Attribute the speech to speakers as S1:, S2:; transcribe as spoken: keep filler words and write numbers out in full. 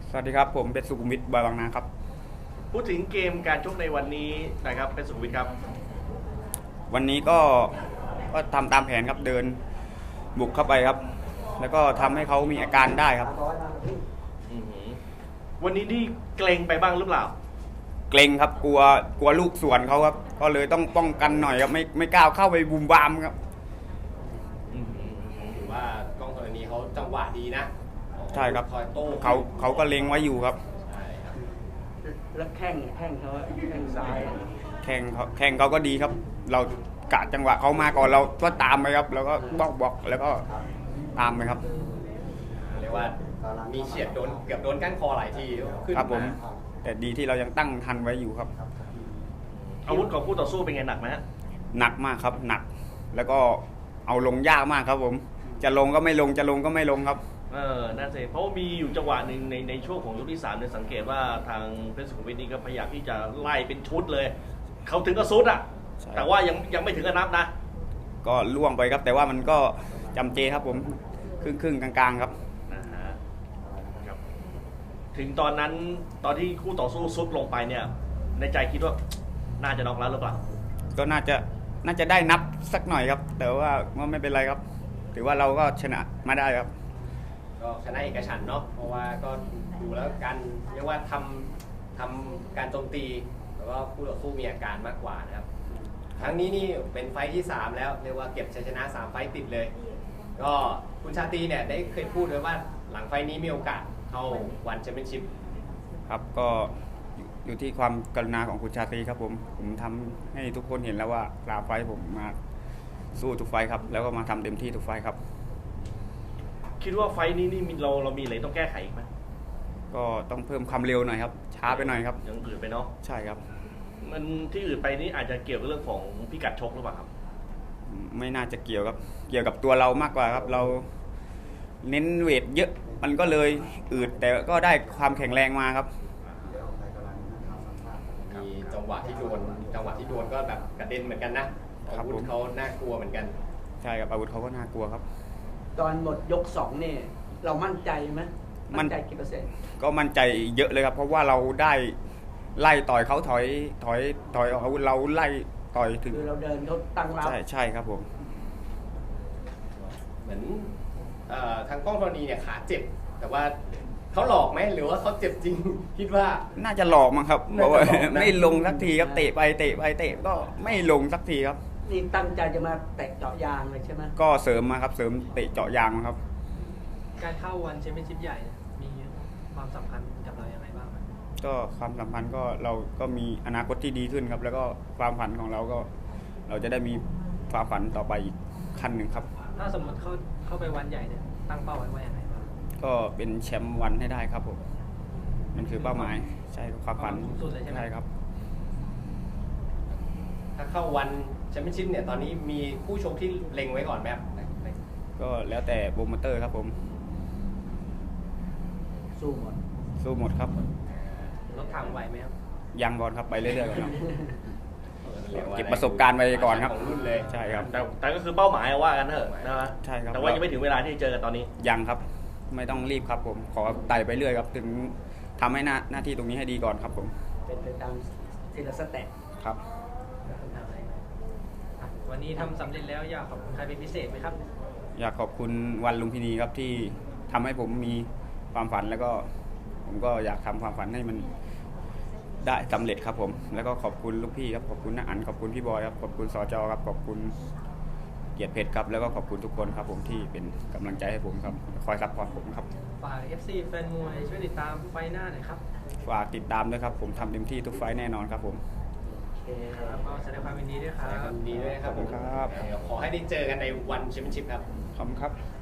S1: สวัสดีครับผมเป็นสุขุมวิทบอยบางนาครับ
S2: พูดถึงเกมการชกในวันนี้นะครับเป็นสุขุมวิทครับ
S1: วันนี้ก็ก็ทำตามแผนครับเดินบุกเข้าไปครับ แล้วก็ทำให้เขามีอาการได้ครับ
S2: วันนี้นี่เกรงไปบ้างหรือเปล่า
S1: เกรงครับกลัวกลัวลูกสวนเขาครับก็เลยต้องป้องกันหน่อยครับไม่ไม่กล้าเข้าไปบูมบามครับ
S3: ถือว่ากล้องธรณีเขาจังหวะดีนะ
S1: ใช่ครับเขาเขาก็เล็งไว้อยู่ครับ
S4: แล้วแข้งแข้งเขาแข้งซ้าย
S1: แข่งเขาแข่งเขาก็ดีครับ เรากะจังหวะเขามาก่อนเราก็ตามไปครับ แล้วก็บล็อกบล็อกแล้วก็ตามไปครับ
S3: เรียกว่ามีเฉียดโดนเกือบโดนก้านคอหลายทีขึ้น
S1: ครับผมแต่ดีที่เรายังตั้งทันไว้อยู่ครับ
S2: อาวุธของคู่ต่อสู้เป็นไงหนักไหมฮะ
S1: หนักมากครับหนักแล้วก็เอาลงยากมากครับผมจะลงก็ไม่ลงจะลงก็ไม่ลงครับ
S2: เออน่าจะเพราะมีอยู่จังหวะหนึ่งในในช่วงของยกที่สามเนี่ยสังเกตว่าทางเพชรสุขุมวิทนี่ก็พยายามที่จะไล่เป็นชุดเลยเขาถึงก็ซุดอ่ะแต่ว่ายังยังไม่ถึงกับนับนะ
S1: ก็ล่วงไปครับแต่ว่ามันก็จำเจครับผมครึ่งครึ่งกลางๆครับ
S2: นะฮะครับถึงตอนนั้นตอนที่คู่ต่อสู้ซุดลงไปเนี่ยในใจคิดว่าน่าจะน็อกแล้วหรือเปล่า
S1: ก็น่าจะน่าจะได้นับสักหน่อยครับแต่ว่าไม่เป็นไรครับถือว่าเราก็ชนะมาได้ครับ
S3: ก็ชนะเอกฉันท์เนาะเพราะว่าก็ดูแล้วการเรียกว่าทำทำการโจมตีแล้วก็คู่ต่อสู้มีอาการมากกว่านะครับครั้งนี้นี่เป็นไฟท์ที่สามแล้วเรียกว่าเก็บชัยชนะสามไฟท์ติดเลยก็คุณชาตรีเนี่ยได้เคยพูดไว้ว่าหลังไฟท์นี้มีโอกาสเข้าวันแชมเปี้ยนชิพ
S1: ครับก็อยู่ที่ความกรุณาของคุณชาตรีครับผมผมทำให้ทุกคนเห็นแล้วว่าลาไฟท์ผมมาสู้ทุกไฟท์ครับแล้วก็มาทำเต็มที่ทุกไฟท์ครับ
S2: คิดว่าไฟท์นี้นี่เราเรามีอะไรต้องแก้ไขอีกไหม
S1: ก็ต้องเพิ่มความเร็วหน่อยครับช้าไปหน่อยครับ
S2: ยังอืดไปเนาะ
S1: ใช่ครับ
S2: มันที่อื่นไปนี่อาจจะเกี่ยวกับเรื่องของพิกัดชกหรือเปล่าครับ
S1: ไม่น่าจะเกี่ยวครับเกี่ยวกับตัวเรามากกว่าครับเราเน้นเวทเยอะมันก็เลยอืดแต่ก็ได้ความแข็งแรงมาครับ
S3: มีจังหวะที่โดนจังหวะที่โดนก็แบบกระเด็นเหมือนกันนะอาวุธเขาน่ากลัวเหมือนกัน
S1: ใช่ครับอาวุธเขาก็น่ากลัวครับ
S4: ตอนหมดยกสองเนี่ยเรามั่นใจไหมมั่นใจกี่เปอร์เซ็นต์
S1: ก็มั่นใจเยอะเลยครับเพราะว่าเราได้ไล่ต่อยเขาถอยถอยถอยอาวุธเราไล่ต่อยถึง
S4: คือเราเดินเขาตั้งรับ
S1: ใช่ใช่ครับผม
S3: เหมือนทางกล้องธรณีเนี่ยขาเจ็บแต่ว่าเขาหลอกไหมหรือว่าเขาเจ็บจริงคิดว่า
S1: น่าจะหลอกมั้งครับเพราะว่าไม่ลงสักทีครับเตะไปเตะไปเตะก็ไม่ลงสักทีครับ
S4: นี่ตั้งใจจะมาเตะเจาะยางเลยใช่ไหม
S1: ก็เสริมมาครับเสริมเตะเจาะยางครับ
S5: การเข้าวันแชมเปี้ยนชิพใหญ่มีความสำคัญกับเราอย่างไรบ้าง
S1: ก็ความสัมพันธ์ก็เราก็มีอนาคตที่ดีขึ้นครับแล้วก็ความฝันของเราก็เราจะได้มีความฝันต่อไปอีกขั้นหนึ่งครับ
S5: ถ้าสมมติเข้าเข้าไปวันใหญ่เนี่ยตั้งเป้าไว้ว่าอย่างไรบ้าง
S1: ก็เป็นแชมป์วันให้ได้ครับผมนั่นคือเป้าหมายใช่ความฝันใช่ครับ
S3: ถ้าเข้าวันแชมเปี้ยนชิพเนี่ยตอนนี้มีผู้ชกที่เล็งไว้ก่อนไหมครับ
S1: ก็แล้วแต่โปรโมเตอร์ครับผม
S4: สู้หมด
S1: สู้หมดครับ
S5: รถถังไหวไหมครับ
S1: ยังก่อนครับไปเรื่อยๆก่อนครับเก็บประสบการณ์ไปก่อนครับใช่ครับ
S2: แต่แต่ก็คือเป้าหมายว่ากันเถอะนะ
S1: ใช่ครับ
S2: แต่ว่ายังไม่ถึงเวลาที่จะเจอกันตอนนี้
S1: ยังครับไม่ต้องรีบครับผมขอไต่ไปเรื่อยครับถึงทำให้หน้าหน้าที่ตรงนี้ให้ดีก่อนครับผม
S4: เป็นไปตามทีละสเต็ป
S1: ครับ
S5: วันนี้ทำสำเร็จแล้วอยากขอบคุณใครเป็นพิเศษไหมครับ
S1: อยากขอบคุณวันลุมพินีครับที่ทำให้ผมมีความฝันแล้วก็ผมก็อยากทำความฝันให้มันได้สำเร็จครับผมแล้วก็ขอบคุณลูกพี่ครับขอบคุณน้าอั๋นขอบคุณพี่บอยครับขอบคุณสจครับขอบคุณเกียรติเพชรครับแล้วก็ขอบคุณทุกคนครับผมที่เป็นกำลังใจให้ผมครับคอยซัพพอร์ตผมครับ
S5: ฝาก เอฟ ซี แฟนมวยช่วยติดตามไฟหน้าหน่อยครับ
S1: ฝากติดตามด้วยครับผมทำเต็มที่ทุกไฟแน่นอนครับผม
S5: ครับก็แสดงความยินดีด้วยครับ
S3: ยินดีด้วยครับผม
S1: ครับ
S3: ขอให้ได้เจอกันในวันแชมเปี้ยนชิพครับ
S1: ขอบคุณครับ